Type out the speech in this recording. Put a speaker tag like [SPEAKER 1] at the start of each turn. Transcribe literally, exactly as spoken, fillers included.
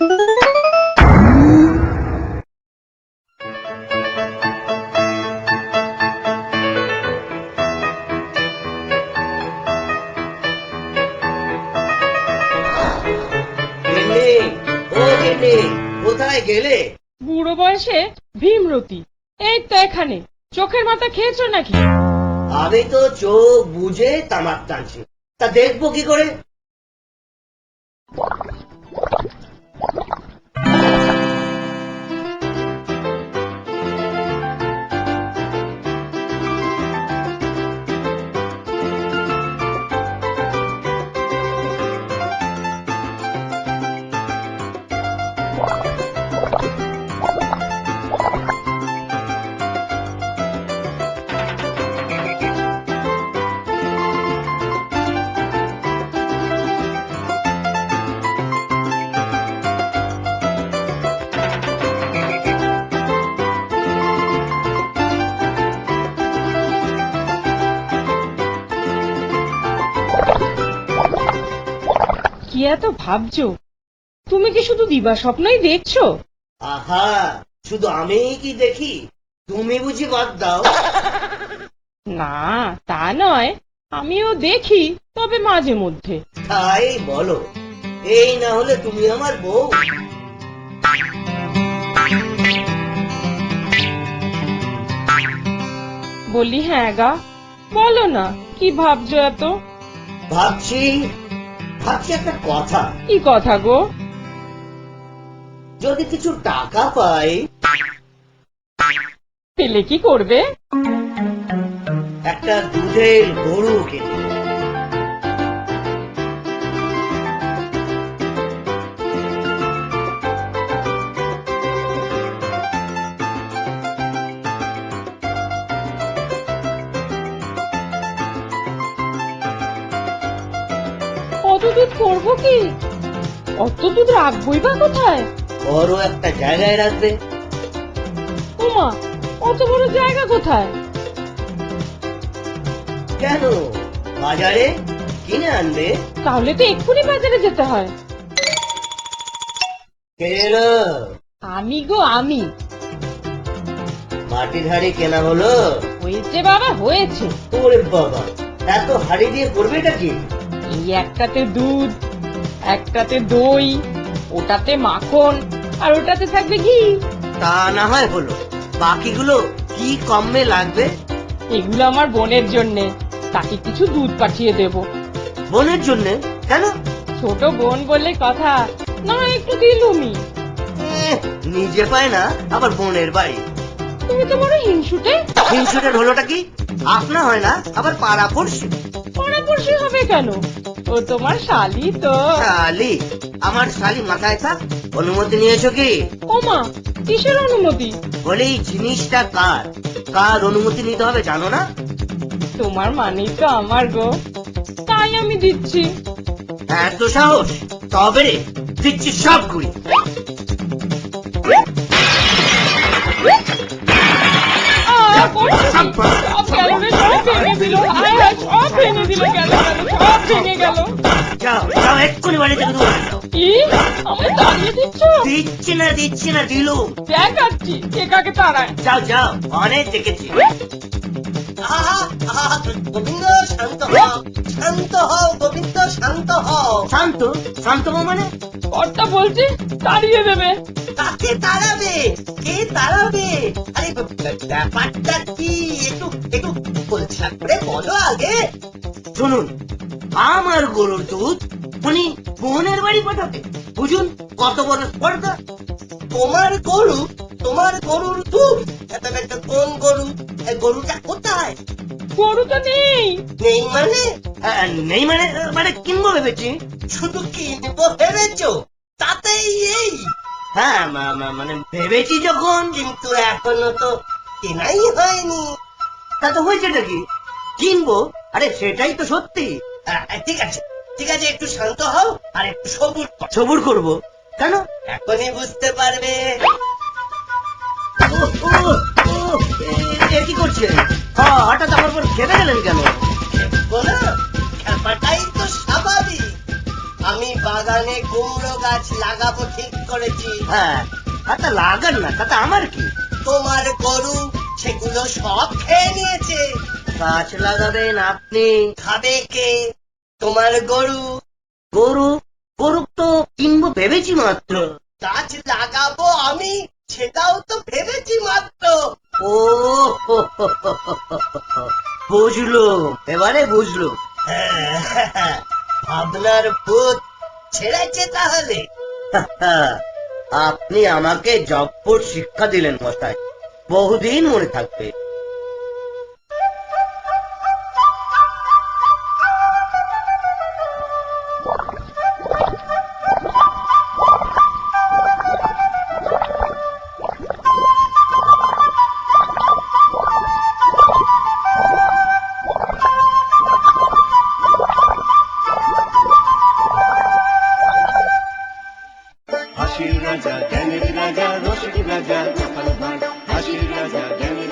[SPEAKER 1] কোথায় গেলে?
[SPEAKER 2] বুড়ো বয়সে ভীমরতি, এই তো এখানে। চোখের মাথা খেয়েছো নাকি?
[SPEAKER 1] আমি তো চোখ বুঝে তামাক টানছি, তা দেখবো কি করে?
[SPEAKER 2] কি এত ভাবছো? তুমি কি শুধু দিবা স্বপ্নই দেখছো?
[SPEAKER 1] আহা, শুধু আমি কি দেখি? তুমি বুঝি বাদ দাও?
[SPEAKER 2] না, তা নয়, আমিও দেখি, তবে মাঝে মধ্যে।
[SPEAKER 1] তাই বলো, এই না হলে তুমি আমার বউ?
[SPEAKER 2] বলি হ্যাঁ গা, বলো না কি ভাবছো এত?
[SPEAKER 1] ভাবছি ভাবছি একটা কথা।
[SPEAKER 2] কি কথা গো?
[SPEAKER 1] যদি কিছু টাকা পাই।
[SPEAKER 2] পেলে কি করবে?
[SPEAKER 1] একটা দুধের গরু কিনে।
[SPEAKER 2] অত দুধ করবো কি? অত দুধ রাখবোই বা কোথায়?
[SPEAKER 1] বড় একটা জায়গায় রাখবে।
[SPEAKER 2] ওমা, অত বড় জায়গা কোথায়?
[SPEAKER 1] কেন, বাজারে কিনে আনবে।
[SPEAKER 2] তাহলে তো এক্ষুনি বাজারে যেতে হয়।
[SPEAKER 1] এলো
[SPEAKER 2] আমি গো আমি।
[SPEAKER 1] মাটির হাড়ি কেনা হলো?
[SPEAKER 2] হয়েছে বাবা, হয়েছে।
[SPEAKER 1] ওরে বাবা, এত হাড়ি দিয়ে করবেটা কি?
[SPEAKER 2] এই একটাতে দুধ, একটাতে দই, ওটাতে মাখন, আর ওটাতে থাকবে ঘি।
[SPEAKER 1] তা না হয় হলো, বাকিগুলো কি কমে লাগবে?
[SPEAKER 2] এগুলো আমার বোনের জন্যে, তাকে কিছু দুধ পাঠিয়ে দেব।
[SPEAKER 1] বোনের জন্য? কেন?
[SPEAKER 2] ছোট বোন বলে কথা, না একটু দিলুমি।
[SPEAKER 1] এহ, নিজে পায় না, আবার বোনের বাড়ি।
[SPEAKER 2] তুমি তো বড় হিংসুটে।
[SPEAKER 1] হিংসুটের হলোটা কি? আপনা হয় না, আবার পাড়া পড়ছি।
[SPEAKER 2] পড়াপড়শি হবে কেন? ও তোমার শালি তো।
[SPEAKER 1] শালি? আমার শালি মাথায় থাক। অনুমতি নিয়েছো কি?
[SPEAKER 2] ওমা, কিসের অনুমতি?
[SPEAKER 1] বলে এই জিনিসটা কার, কার অনুমতি নিতে হবে জানো না?
[SPEAKER 2] তোমার মানেই তো আমার গো, তাই আমি দিচ্ছি।
[SPEAKER 1] এত সাহস? তবে রে, দিচ্ছি সব গুড়ি।
[SPEAKER 2] আহ, করছি কি? সব গেল রে, সব ভেঙে দিল। আয় হায়, সব ভেঙে দিল, গেল গেল, সব ভেঙে গেল।
[SPEAKER 1] যাও যাও, এক্ষুনি বাড়ি থেকে দূরে যাও।
[SPEAKER 2] কি? আমায় তাড়িয়ে দিচ্ছ?
[SPEAKER 1] দিচ্ছি না দিচ্ছি না দিলু।
[SPEAKER 2] দেখাচ্ছি কে কাকে তাড়ায়।
[SPEAKER 1] যাও যাও, অনেক দেখেছি। আহা, আহা, গোবিন্দ শান্ত হও, শান্ত হও গোবিন্দ, শান্ত হও। শান্ত? শান্ত হও মানে?
[SPEAKER 2] কর্তা বলছি তাড়িয়ে দেবে।
[SPEAKER 1] কাকে তাড়াবে? কে তাড়াবে? আরে ব্যাপারটা কি একটু একটু খোলসা করে বলো আগে। শুনুন, আমার গরুর দুধ উনি বোনের বাড়ি পাঠাবে, বুঝুন কত বড় স্পর্ধা। তোমার গরু, তোমার গরুর দুধ? কোন গরু? গরুটা কোথায়?
[SPEAKER 2] গরু তো নেই।
[SPEAKER 1] নেই মানে? নেই মানে মানে কিনবো ভেবেছি। শুধু কিনবো ভেবেছো? তাতেই এই? হ্যাঁ, মানে ভেবেছি যখন, কিন্তু এখনো তো কেনাই হয়নি। তা তো হয়েছেটা কি? কিনবো? আরে সেটাই তো সত্যি। ঠিক আছে ঠিক আছে, একটু শান্ত হও আর একটু সবুর সবুর করবো। কেন? এখনই বুঝতে পারবে। কি করছে? হঠাৎ আমার উপর খেপে গেলেন কেন? ব্যাপারটাই তো স্বাভাবিক। আমি বাগানে কুমড়ো গাছ লাগাবো ঠিক করেছি। হ্যাঁ, তা লাগান না, তাতে আমার কি? তোমার গরু সেগুলো সব খেয়ে নিয়েছে। গাছ লাগাবেন আপনি, খাবে কে? তোমার গরু। গরু গরু তো কিনবো ভেবেছি মাত্র। গাছ লাগাবো আমি, সেটাও তো ভেবেছি মাত্র। ও হো হো হো হো হো হো। বুঝলো, এবারে বুঝলো। হ্যাঁ, ভাবনার ভূত ছেড়েছে তাহলে। আপনি আমাকে জব্বর শিক্ষা দিলেন মশাই, বহুদিন মনে থাকবে।
[SPEAKER 3] হাসির রাজা জ্ঞানের রাজা রসিক রাজা গোপাল ভাঁড় হাসির রাজা জ্ঞানের